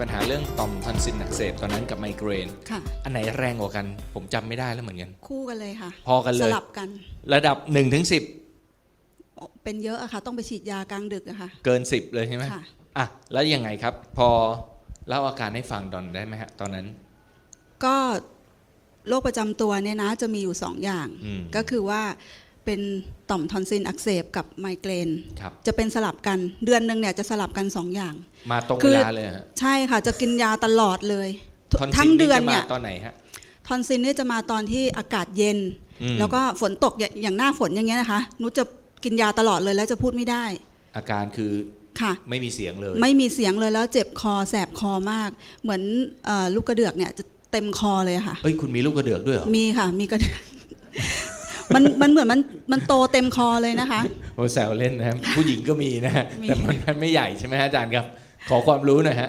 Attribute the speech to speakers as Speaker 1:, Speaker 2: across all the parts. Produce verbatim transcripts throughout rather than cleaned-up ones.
Speaker 1: ปัญหาเรื่องต่อมทอนซิลอักเสบตอนนั้นกับไมเกรน
Speaker 2: ค่ะ
Speaker 1: อันไหนแรงกว่ากันผมจำไม่ได้แล้วเหมือนกัน
Speaker 2: คู่กันเลยค่ะ
Speaker 1: พอกันเลย
Speaker 2: สลับกัน
Speaker 1: ระดับหนึ่งถึงสิบ
Speaker 2: เป็นเยอะอะค่ะต้องไปฉีดยากลางดึกอะค่ะ
Speaker 1: เกินสิบเลยใช่ไหม
Speaker 2: ค่ะ
Speaker 1: อ่ะแล้วยังไงครับพอเล่าอาการให้ฟังตอนได้ไหมฮะตอนนั้น
Speaker 2: ก็โรคประจำตัวเนี่ยนะจะมีอยู่สองอย่างก็คือว่าเป็นต่อมทอนซิลอักเสบกับไมเกรนจะเป็นสลับกันเดือนหนึ่งเนี่ยจะสลับกันสองอย่าง
Speaker 1: มาตรงเวลาเลยฮะ
Speaker 2: ใช่ค่ะจะกินยาตลอดเลย
Speaker 1: ทั้งเดือนเนี่ยตอนไหนฮะ
Speaker 2: ทอนซิลเนี่ยจะมาตอนที่อากาศเย็นแล้วก็ฝนตกอย่างหน้าฝนอย่างเงี้ยนะคะนุชจะกินยาตลอดเลยแล้วจะพูดไม่ได้
Speaker 1: อาการคือ
Speaker 2: ค่ะ
Speaker 1: ไม่มีเสียงเลย
Speaker 2: ไม่มีเสียงเลยแล้วเจ็บคอแสบคอมากเหมือนลูกกระเดือกเนี่ยจะเต็มคอเลยค่ะ
Speaker 1: เอ้ยคุณมีลูกกระเดือกด้วยเหรอ
Speaker 2: มีค่ะมีกระเดือกมันมันเหมือนมันมันโตเต็มคอเลยนะคะ
Speaker 1: โอ้แซวเล่นนะครับผู้หญิงก็มีนะฮะแต่มันไม่ใหญ่ใช่ไหมอาจารย์ครับขอความรู้หน่อยฮะ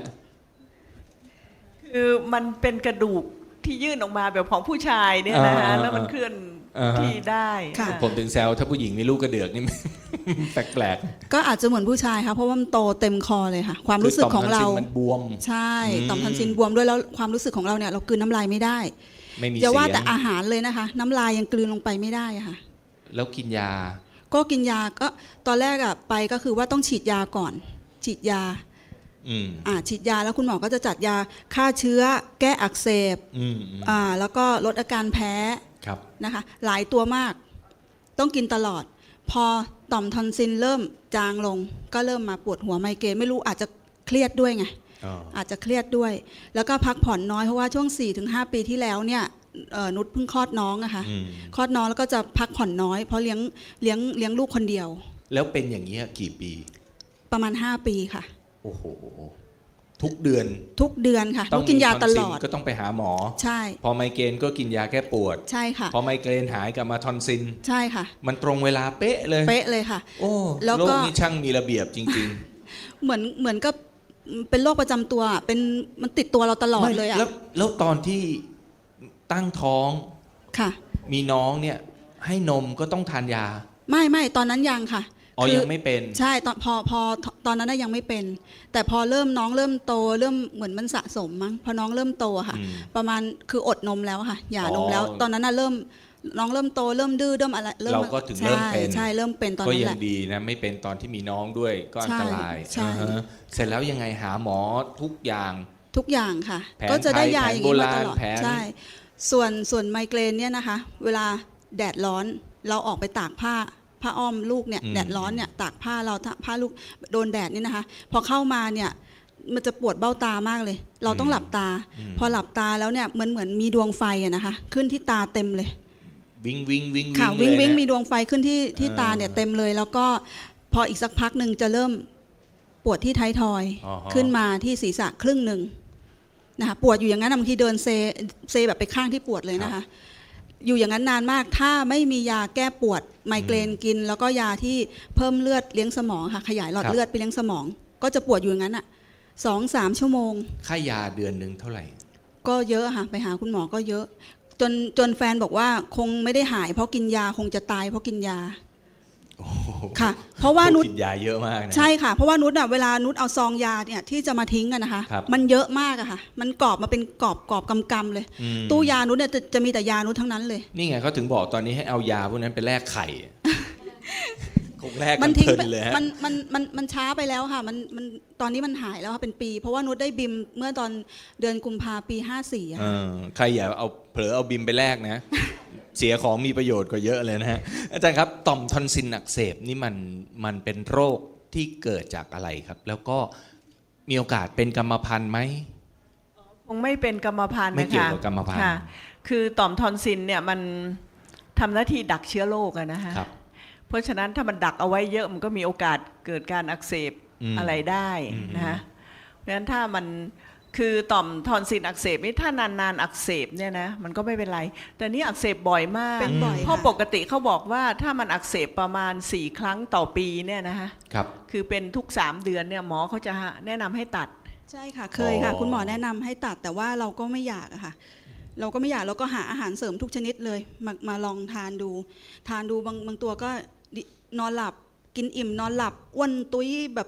Speaker 3: คือมันเป็นกระดูกที่ยื่นออกมาแบบของผู้ชายเนี่ยนะฮะแล้วมันเคลื่อนที่ได้
Speaker 1: ผมถึงแซวถ้าผู้หญิงมีลูกกระเดือกนี่แปลก
Speaker 2: ๆก็อาจจะเหมือนผู้ชายค่ะเพราะว่ามันโตเต็มคอเลยค่ะความรู้สึกของเรา
Speaker 1: มันบวม
Speaker 2: ใช่ต่อมทอนซิลบวมด้วยแล้วความรู้สึกของเราเนี่ยเรากลืนน้ำลายไม่ได้
Speaker 1: ไม่มี
Speaker 2: อย่าว่าแต่อาหารเลยนะคะน้ำลายยังกลืนลงไปไม่ได้ค่ะ
Speaker 1: แล้วกินยา
Speaker 2: ก็กินยาก็ตอนแรกอะไปก็คือว่าต้องฉีดยาก่อนฉีดยาอ่าฉีดยาแล้วคุณหมอก็จะจัดยาฆ่าเชื้อแก้อักเสบอ่าแล้วก็ลดอาการแพ้นะคะหลายตัวมากต้องกินตลอดพอต่อมทอนซิลเริ่มจางลงก็เริ่มมาปวดหัวไมเกรนไม่รู้อาจจะเครียดด้วยไงอาจจะเครียดด้วยแล้วก็พักผ่อนน้อยเพราะว่าช่วง สี่ถึงห้า ปีที่แล้วเนี่ยนุชเพิ่งคลอดน้องอะค่ะคลอดน้องแล้วก็จะพักผ่อนน้อยเพราะเลี้ยงเลี้ยงเลี้ยงลูกคนเดียว
Speaker 1: แล้วเป็นอย่างนี้กี่ปี
Speaker 2: ประมาณห้าปีค่ะ
Speaker 1: โอ้โหทุกเดือน
Speaker 2: ทุกเดือนค่ะต้องกินยาตลอด
Speaker 1: ก็ต้องไปหาหมอ
Speaker 2: ใช่
Speaker 1: พอไมเกรนก็กินยาแก้ปวด
Speaker 2: ใช่ค่ะ
Speaker 1: พอไมเกรนหายกลับมาทอนซิล
Speaker 2: ใช่ค่ะ
Speaker 1: มันตรงเวลาเป๊ะเลย
Speaker 2: เป๊ะเลยค่ะ
Speaker 1: โอ้โลกนี้ช่างมีระเบียบจริง
Speaker 2: ๆเหมือนเหมือนกับเป็นโรคประจำตัวเป็นมันติดตัวเราตลอดเลยอะ
Speaker 1: แล้วแล้วตอนที่ตั้งท้อง
Speaker 2: ค่ะ
Speaker 1: มีน้องเนี่ยให้นมก็ต้องทานยา
Speaker 2: ไม่ไม่ตอนนั้นยังค่ะ
Speaker 1: อ๋อยังไม่เป็น
Speaker 2: ใช่ตอนพอพอตอนนั้นยังไม่เป็นแต่พอเริ่มน้องเริ่มโตเริ่มเหมือนมันสะสมมั้งพอน้องเริ่มโตค่ะประมาณคืออดนมแล้วค่ะหย่านมแล้วตอนนั้นน่ะเริ่มน้องเริ่มโตเริ่มดื้อเริ่มอะไร
Speaker 1: เราก็ถึงเริ่มเป็น
Speaker 2: ใช่เริ่มเป็นตอนนั้นแหละ
Speaker 1: ก็ยังดีนะไม่เป็นตอนที่มีน้องด้วยก็อันตรายเสร็จแล้วยังไงหาหมอทุกอย่าง
Speaker 2: ทุกอย่างค่ะก็จะได้ยาอย่างนี้มาตลอดใช่ส่วนส่วนไมเกรนเนี่ยนะคะเวลาแดดร้อนเราออกไปตากผ้าผ้าอ้อมลูกเนี่ยแดดร้อนเนี่ยตากผ้าเราผ้าลูกโดนแดดนี่นะคะพอเข้ามาเนี่ยมันจะปวดเบ้าตามากเลยเราต้องหลับตาพอหลับตาแล้วเนี่ยเหมือนเหมือนมีดวงไฟอะนะคะขึ้นที่ตาเต็มเลย
Speaker 1: วิงวิงวิง
Speaker 2: ค่ะวิงวิงมีดวงไฟขึ้นที่ที่ตาเนี่ยเต็มเลยแล้วก็พออีกสักพักหนึ่งจะเริ่มปวดที่ท้ายทอยขึ้นมาที่ศีรษะครึ่งหนึ่งนะคะปวดอยู่อย่างนั้นบางทีเดินเซเซแบบไปข้างที่ปวดเลยนะคะอยู่อย่างนั้นนานมากถ้าไม่มียาแก้ปวดไมเกรนกินแล้วก็ยาที่เพิ่มเลือดเลี้ยงสมองค่ะขยายหลอดเลือดไปเลี้ยงสมองก็จะปวดอยู่อย่างนั้นอ่ะสองสามชั่วโมง
Speaker 1: ค่ายาเดือนหนึ่งเท่าไหร่
Speaker 2: ก็เยอะค่ะไปหาคุณหมอก็เยอะจนจนแฟนบอกว่าคงไม่ได้หายเพราะกินยาคงจะตายเพราะกินยาค่ะเพราะว่านุช
Speaker 1: กินยาเยอะมาก
Speaker 2: ใช่ค่ะเพราะว่านุชอ่ะเวลานุชเอาซองยาเนี่ยที่จะมาทิ้งกันนะคะมันเยอะมากอะค่ะมันกรอบมาเป็นกรอบกรอบกำๆเลยตู้ยานุชเนี่ยจะมีแต่ยานุชทั้งนั้นเลย
Speaker 1: นี่ไงเขาถึงบอกตอนนี้ให้เอายาพวกนั้นไปแลกไข่คงแลกกั
Speaker 2: น
Speaker 1: เพลินเลย
Speaker 2: มันมันมันมันช้าไปแล้วค่ะมันมันตอนนี้มันหายแล้วค่ะเป็นปีเพราะว่านุชได้บิมเมื่อตอนเดือนกุมภาปีห้าสี่อะ
Speaker 1: ใครอย่าเอาเผลอเอาบิมไปแลกนะเสียของมีประโยชน์กว่าเยอะเลยนะฮะอาจารย์ครับต่อมทอนซิลอักเสบนี่มันมันเป็นโรคที่เกิดจากอะไรครับแล้วก็มีโอกาสเป็นกรรมพันธุ์ไหม
Speaker 3: คงไม่เป็นกรรมพันธุ์นะคะ
Speaker 1: ไม่เกี่ยวกับกรรมพันธุ์
Speaker 3: คือต่อมทอนซิลเนี่ยมันทำหน้าที่ดักเชื้อโรคอะนะคะเพราะฉะนั้นถ้ามันดักเอาไว้เยอะมันก็มีโอกาสเกิดการอักเสบอะไรได้นะคะเพราะฉะนั้นถ้ามันคือต่อมทอนซิลอักเสบนี่ถ้านานๆอักเสบเนี่ยนะมันก็ไม่เป็นไรแต่นี่อักเสบบ่อยมากเพราะปกติเขาบอกว่าถ้ามันอักเสบประมาณสี่ครั้งต่อปีเนี่ยนะคะ
Speaker 1: ครับ
Speaker 3: คือเป็นทุกสามเดือนเนี่ยหมอเขาจะแนะนำให้ตัด
Speaker 2: ใช่ค่ะเคยค่ะคุณหมอแนะนำให้ตัดแต่ว่าเราก็ไม่อยากอะค่ะเราก็ไม่อยากเราก็หาอาหารเสริมทุกชนิดเลยมามาลองทานดูทานดูบางบางตัวก็นอนหลับกินอิ่มนอนหลับอ้วนตุ้ยแบบ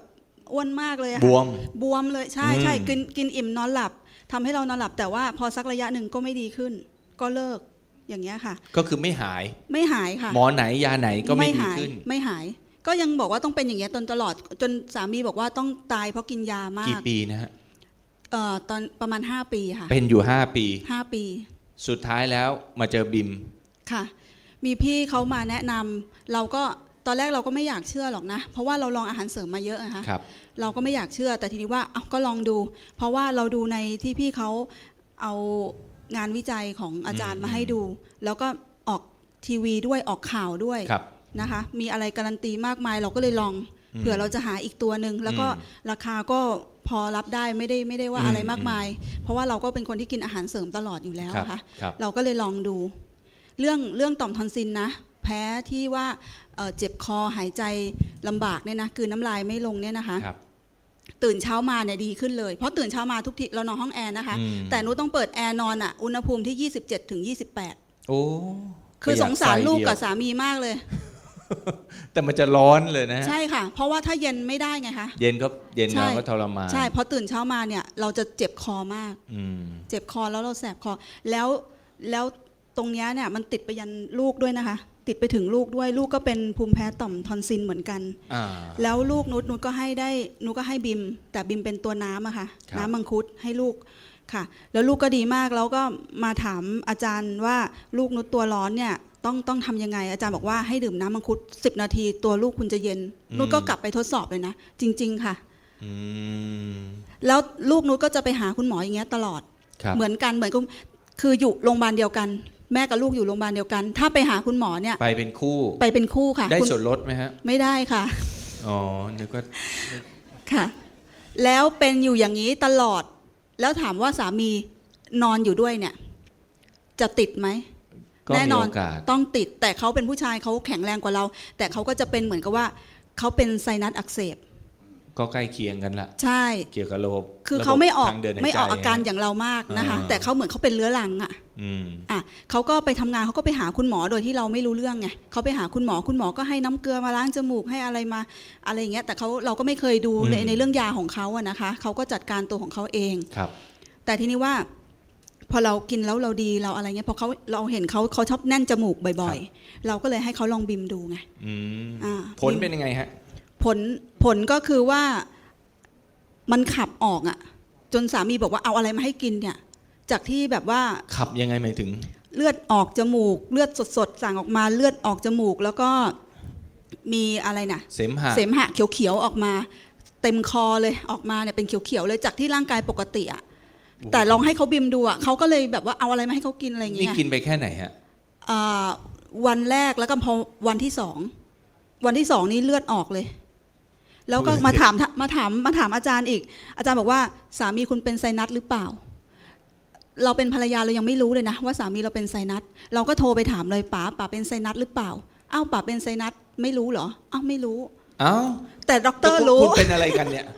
Speaker 2: อ้วนมากเลยอะ
Speaker 1: บ
Speaker 2: ค่ะ
Speaker 1: วม
Speaker 2: บวมเลยใช่
Speaker 1: อืม
Speaker 2: ใช่กินกินอิ่มนอนหลับทำให้เรานอนหลับ แต่ว่าพอสักระยะหนึ่งก็ไม่ดีขึ้น ก็เลิกอย่างเงี้ยค่ะ
Speaker 1: ก็คือไม่หาย
Speaker 2: ไม่หายค่ะ
Speaker 1: หมอไหนยาไหนก็ไม่ดี
Speaker 2: หาย
Speaker 1: ขึ้น
Speaker 2: ไม่หาย ก็ยังบอกว่าต้องเป็นอย่างเงี้ยจนตลอดจนสามีบอกว่าต้องตายเพราะกินยามาก
Speaker 1: กี่ปีนะฮะ
Speaker 2: เอ่อตอนประมาณห้าปีค่ะ
Speaker 1: เป็นอยู่ห้าปี
Speaker 2: ห้าปี
Speaker 1: สุดท้ายแล้วมาเจอบิม
Speaker 2: ค่ะ มีพี่เขามาแนะนำเราก็ตอนแรกเราก็ไม่อยากเชื่อหรอกนะ เพราะว่าเราลองอาหารเสริมมาเยอะนะคะ
Speaker 1: ครับ
Speaker 2: เราก็ไม่อยากเชื่อแต่ทีนี้ว่าเอาก็ลองดู เพราะว่าเราดูในที่พี่เขาเอางานวิจัยของอาจารย์
Speaker 1: อืม
Speaker 2: มาให้ดู แล้วก็ออกทีวีด้วยออกข่าวด้วย
Speaker 1: ครับ
Speaker 2: นะคะ มีอะไรการันตีมากมายเราก็เลยลอง
Speaker 1: อืม
Speaker 2: เผื่อเราจะหาอีกตัวหนึ่งแล้วก็
Speaker 1: อืม
Speaker 2: ราคาก็พอรับได้ไม่ได้ไม่ได้ว่า
Speaker 1: อืม
Speaker 2: อะไรมากมาย เพราะว่าเราก็เป็นคนที่กินอาหารเสริมตลอดอยู่แล้ว
Speaker 1: ครับ
Speaker 2: นะคะ
Speaker 1: ครับ
Speaker 2: เราก็เลยลองดู เรื่องเรื่องต่อมทอนซิลนะ แพ้ที่ว่าเอ่อเจ็บคอหายใจลำบากเนี่ยนะคือน้ำลายไม่ลงเนี่ยนะคะ
Speaker 1: ครับ
Speaker 2: ตื่นเช้ามาเนี่ยดีขึ้นเลย เพราะตื่นเช้ามาทุกทีเรานอนห้องแอร์นะคะ
Speaker 1: อืม
Speaker 2: แต่หนูต้องเปิดแอร์นอนอ่ะอุณหภูมิที่ ยี่สิบเจ็ดถึงยี่สิบแปด
Speaker 1: โอ้
Speaker 2: คือ
Speaker 1: ประห
Speaker 2: ส
Speaker 1: ยัด
Speaker 2: งสาร
Speaker 1: ไฟ
Speaker 2: ลูก
Speaker 1: เดียว
Speaker 2: กับสามีมากเลย
Speaker 1: แต่มันจะร้อนเลยนะฮะ
Speaker 2: ใช่ค่ะ เพราะว่าถ้าเย็นไม่ได้ไงคะ
Speaker 1: เย็นก็เย็น
Speaker 2: ใช่
Speaker 1: เราก็ทรมาน
Speaker 2: ใช่เพราะตื่นเช้ามาเนี่ยเราจะเจ็บคอมาก
Speaker 1: อืม
Speaker 2: เจ็บคอแล้วเราแสบคอ แล้วแล้วตรงเนี้ยเนี่ยมันติดไปยันลูกด้วยนะคะ ติดไปถึงลูกด้วยลูกก็เป็นภูมิแพ้ต่อมทอนซิลเหมือนกัน
Speaker 1: อ่า
Speaker 2: แล้วลูกนุชนุชก็ให้ได้นุชก็ให้บิม แต่บิมเป็นตัวน้ำอะค่ะ
Speaker 1: ครับ
Speaker 2: น้ำมังคุดให้ลูกค่ะ แล้วลูกก็ดีมากแล้วก็มาถามอาจารย์ว่าลูกนุชตัวร้อนเนี่ยต้องต้องทำยังไง อาจารย์บอกว่าให้ดื่มน้ำมังคุดสิบนาทีตัวลูกคุณจะเย็นนุชก็กลับไปทดสอบเลยนะ จริง ๆ ค่ะ
Speaker 1: อืม
Speaker 2: แล้วลูกนุชก็จะไปหาคุณหมออย่างเงี้ยตลอด
Speaker 1: ครับ
Speaker 2: เหมือนกันเหมือนกับคืออยู่โรงพยาบาลเดียวกัน แม่กับลูกอยู่โรงพยาบาลเดียวกัน ถ้าไปหาคุณหมอเนี่ย
Speaker 1: ไปเป็นคู่
Speaker 2: ไปเป็นคู่ค่ะ
Speaker 1: ได้
Speaker 2: คุณ
Speaker 1: ส่วนลดไหมฮะ
Speaker 2: ไม่ได้ค่ะ
Speaker 1: อ๋อ นึกว่า
Speaker 2: ค่ะ แล้วเป็นอยู่อย่างนี้ตลอด แล้วถามว่าสามีนอนอยู่ด้วยเนี่ย จะติดไหม
Speaker 1: ก็
Speaker 2: แน่
Speaker 1: มี
Speaker 2: นอน
Speaker 1: โอกาส
Speaker 2: ต้องติด แต่เขาเป็นผู้ชายเขาแข็งแรงกว่าเรา แต่เขาก็จะเป็นเหมือนกับว่าเขาเป็นไซนัสอักเสบ
Speaker 1: ก็ใกล้เคียงกันละ
Speaker 2: ใช่
Speaker 1: เกี่ยวกับระบบ
Speaker 2: คือเขาไม่ออก
Speaker 1: ระบบทงดินหายใจ
Speaker 2: ไม่ออกอาการอย่างเรามากนะคะ
Speaker 1: อ่า
Speaker 2: แต่เขาเหมือนเขาเป็นเรื้อรังอ่ะ
Speaker 1: อืม
Speaker 2: อ่ะเขาก็ไปทำงานเขาก็ไปหาคุณหมอโดยที่เราไม่รู้เรื่องไงเขาไปหาคุณหมอคุณหมอก็ให้น้ำเกลือมาล้างจมูกให้อะไรมาอะไรอย่างเงี้ยแต่เขาเราก็ไม่เคยดูใน
Speaker 1: อืม
Speaker 2: ในเรื่องยาของเขาอะนะคะเขาก็จัดการตัวของเขาเอง
Speaker 1: ครับ
Speaker 2: แต่ทีนี้ว่า พอเรากินแล้วเราดีเราอะไรเงี้ยพอเขาเราเห็นเขาเขาชอบแน่นจมูกบ่อยๆ เราก็เลยให้เขาลองบิมดูไง
Speaker 1: อืม
Speaker 2: อ่า
Speaker 1: ผลเป็นยังไงฮะ
Speaker 2: ผลผลก็คือว่ามันขับออกอะจนสามีบอกว่าเอาอะไรมาให้กินเนี่ย จากที่แบบว่า
Speaker 1: ขับยังไงหมายถึง
Speaker 2: เลือดออกจมูก เลือดสดๆสั่งออกมาเลือดออกจมูก แล้วก็มีอะไรนะ
Speaker 1: เสมหะ
Speaker 2: เสมหะเขียวๆออกมา เต็มคอเลยออกมาเนี่ยเป็นเขียวๆเลยจากที่ร่างกายปกติอะแต่ลองให้เขาบิมดูอะเขาก็เลยแบบว่าเอาอะไรมาให้เขากินอะไรอย่าง
Speaker 1: นี่
Speaker 2: เงี้ย
Speaker 1: กินไปแค่ไหนฮะ
Speaker 2: อ่าวันแรกแล้วก็พอวันที่สองวันที่สองนี่เลือดออกเลย แล้วก็มาถามมาถามมาถามอาจารย์อีก อาจารย์บอกว่าสามีคุณเป็นไซนัสหรือเปล่า เราเป็นภรรยาเรายังไม่รู้เลยนะว่าสามีเราเป็นไซนัสเราก็โทรไปถามเลยป๋าป๋าเป็นไซนัสหรือเปล่าอ้าวป๋าเป็นไซนัสไม่รู้เหรออ้าวไม่รู้
Speaker 1: เอ้า
Speaker 2: แต่ด็อกเตอร์
Speaker 1: คุณ
Speaker 2: รู้
Speaker 1: คุณเป็นอะไรกันเนี่ย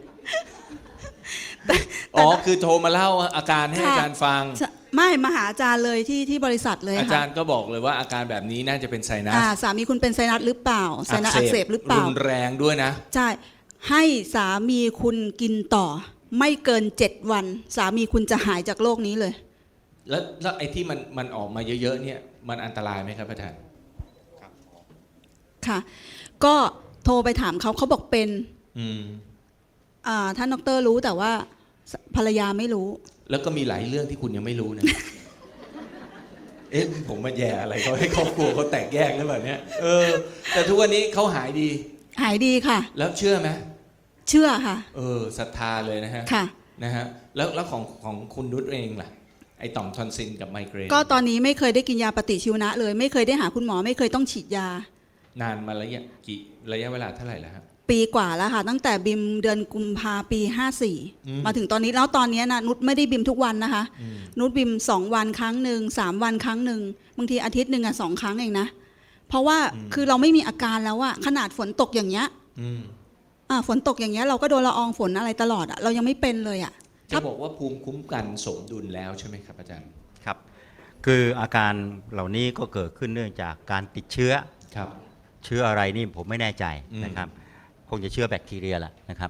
Speaker 1: อ๋อ คือโทรมาเล่าอาการให้
Speaker 2: ค่ะ
Speaker 1: อาจารย์ฟัง
Speaker 2: ไม่มาหาอาจารย์เลยที่ที่บริษัทเลย
Speaker 1: อา
Speaker 2: ค่ะ
Speaker 1: จารย์ก็บอกเลยว่าอาการแบบนี้น่าจะเป็นไซนัส
Speaker 2: อ่าสามีคุณเป็นไซนัสหรือเปล่าไซนัสอักเสบหรือเปล่า
Speaker 1: รุนแรงด้วยนะ
Speaker 2: ใช่ ให้สามีคุณกินต่อ ไม่เกินเจ็ดวัน สามีคุณจะหายจากโรคนี้เลย
Speaker 1: แล้วแล้วไอ้ที่มันมันออกมาเยอะๆเนี่ยมันอันตรายไหมครับอาจารย์
Speaker 2: ค่ะ ก็โทรไปถามเขาเขาบอกเป็น
Speaker 1: อืม
Speaker 2: อ่าท่านดอกเตอรรู้แต่ว่าภรรยาไม่รู้
Speaker 1: แล้วก็มีหลายเรื่องที่คุณยังไม่รู้นะ เอ๊ะผมมาแย่อะไรเขาให้ครอบครัวเขาแตกแยกหรือเปล่าเนี่ยเออ แต่ทุกวันนี้เขาหายดี
Speaker 2: หายดีค่ะ
Speaker 1: แล้วเชื่อไหม
Speaker 2: เชื่อค่ะ
Speaker 1: เออศรัทธาเลยนะฮะ
Speaker 2: ค่ะ
Speaker 1: นะฮะแล้วแล้วของของคุณนุชเองล่ะไอต่อมทอนซิลกับไมเกรน
Speaker 2: ก็ตอนนี้ไม่เคยได้กินยาปฏิชีวนะเลย ไม่เคยได้หาคุณหมอ ไม่เคยต้องฉีดยา
Speaker 1: นานมาระยะกี่ระยะเวลาเท่าไหร่แล้วครับ
Speaker 2: ปีกว่าแล้วค่ะ ตั้งแต่บิมเดือนกุมภาปีห้าสี่
Speaker 1: อืม
Speaker 2: มาถึงตอนนี้แล้วตอนนี้นะนุชไม่ได้บิมทุกวันนะคะ
Speaker 1: อืม
Speaker 2: นุชบิมสองวันครั้งหนึ่งสามวันครั้งหนึ่งบางทีอาทิตย์หนึ่งอ่ะสองครั้งเองนะ เพราะว่าคือเราไม่มีอาการแล้วอะขนาดฝนตกอย่างเงี้ย
Speaker 1: อืม
Speaker 2: อ่าฝนตกอย่างเงี้ยเราก็โดนละอองฝนอะไรตลอดอะเรายังไม่เป็นเลยอะ
Speaker 1: จะบอกว่าภูมิคุ้มกันสมดุลแล้วใช่ไหมครับอาจารย์
Speaker 4: ครับคืออาการเหล่านี้ก็เกิดขึ้นเนื่องจากการติดเชื้อ
Speaker 1: ครับ
Speaker 4: เชื้ออะไรนี่ผมไม่แน่ใจ
Speaker 1: อืม
Speaker 4: นะครับคงจะเชื้อแบคทีเรียแหละนะครับ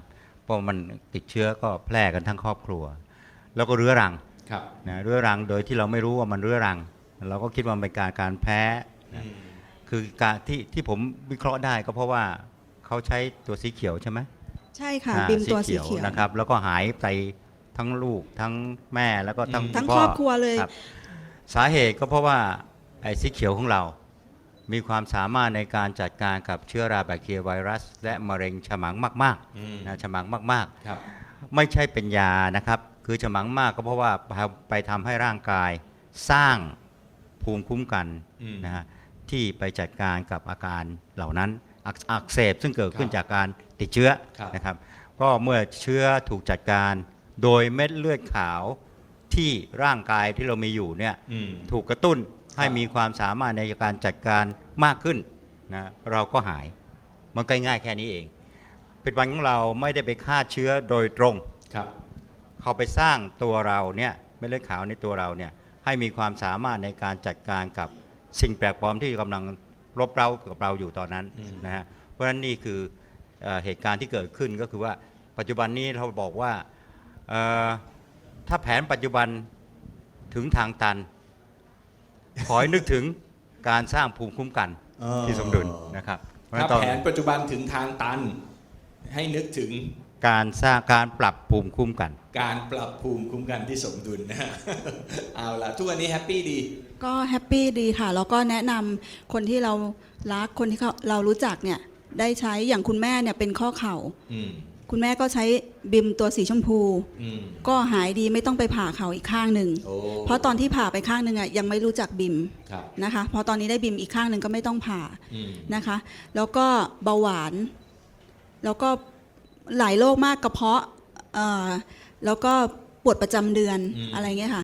Speaker 4: เพราะมันติดเชื้อก็แพร่กันทั้งครอบครัว แล้วก็เรื้อรัง
Speaker 1: ครับ
Speaker 4: นะเรื้อรังโดยที่เราไม่รู้ว่ามันเรื้อรัง เราก็คิดว่ามันเป็นการการแพ้นะคือการที่ที่ผมวิเคราะห์ได้ก็เพราะว่าเขาใช้ตัวสีเขียวใช่ไหม
Speaker 2: ใช่ค่ะ
Speaker 4: อ่า
Speaker 2: บิมตัวสีเขียว
Speaker 4: นะครับแล้วก็หายไปทั้งลูกทั้งแม่แล้วก็ทั้ง
Speaker 2: ทั้ง
Speaker 4: ณพ่
Speaker 2: ครอบครัวเลย
Speaker 4: บสาเหตุก็เพราะว่าไอ้สีเขียวของเรา มีความสามารถในการจัดการกับเชื้อราแบคทีเรียไวรัส และมะเร็งฉมังมาก
Speaker 1: อืม
Speaker 4: ๆนะฉมังมาก
Speaker 1: ครับ
Speaker 4: ๆ ไม่ใช่เป็นยานะครับคือฉมังมากก็เพราะว่าไปทำให้ร่างกายสร้างภูมิคุ้มกัน
Speaker 1: อืม
Speaker 4: นะฮะที่ไปจัดการกับอาการเหล่านั้นอักอักเสบซึ่งเกิดขึ้น
Speaker 1: ครับ
Speaker 4: จากการติดเชื้อ
Speaker 1: ครับ
Speaker 4: นะครับก็เมื่อเชื้อถูกจัดการโดยเม็ดเลือดขาวที่ร่างกายที่เรามีอยู่เนี่ย
Speaker 1: อืม
Speaker 4: ถูกกระตุ้นให้
Speaker 1: ครับ
Speaker 4: มีความสามารถในการจัดการมากขึ้นนะเราก็หายมันก็ง่ายแค่นี้เองเป็นวันของเราไม่ได้ไปฆ่าเชื้อโดยตรง
Speaker 1: ครับ
Speaker 4: เขาไปสร้างตัวเราเนี่ยเม็ดเลือดขาวในตัวเราเนี่ยให้มีความสามารถในการจัดการกับสิ่งแปลกปลอมที่กำลังรบเร้ากับเราอยู่ตอนนั้น
Speaker 1: อืม
Speaker 4: นะฮะเพราะฉะนั้นนี่คือเอ่อเหตุการณ์ที่เกิดขึ้นก็คือว่าปัจจุบันนี้เราบอกว่าเอ่อถ้าแผนปัจจุบันถึงทางตัน ขอให้นึกถึงการสร้างภูมิคุ้มกันที่สมดุลนะครับเพราะฉะ
Speaker 1: ถ้า
Speaker 4: นั้นต้อง
Speaker 1: แผนปัจจุบันถึงทางตัน ให้นึกถึง
Speaker 4: การสร้างการปรับภูมิคุ้มกัน
Speaker 1: การปรับภูมิคุ้มกันที่สมดุลนะฮะ เอาล่ะ ทุกวันนี้แฮปปี้ดี
Speaker 2: ก็แฮปปี้ดีค่ะ แล้วก็แนะนำคนที่เรารักคนที่เขาเรารู้จักเนี่ยได้ใช้อย่างคุณแม่เนี่ยเป็นข้อเข่า
Speaker 1: อืม
Speaker 2: คุณแม่ก็ใช้บิมตัวสีชมพู
Speaker 1: อืม
Speaker 2: ก็หายดีไม่ต้องไปผ่าเข่าอีกข้างหนึ่ง
Speaker 1: โอ้
Speaker 2: เพราะตอนที่ผ่าไปข้างหนึ่งอ่ะยังไม่รู้จักบิม
Speaker 1: ครับ
Speaker 2: นะคะพอตอนนี้ได้บิมอีกข้างหนึ่งก็ไม่ต้องผ่า
Speaker 1: อืม
Speaker 2: นะคะ แล้วก็เบาหวาน แล้วก็หลายโรคมากกระเพาะเอ่อแล้วก็ปวดประจำเดือน
Speaker 1: อืม
Speaker 2: อะไรเงี้ยค่ะ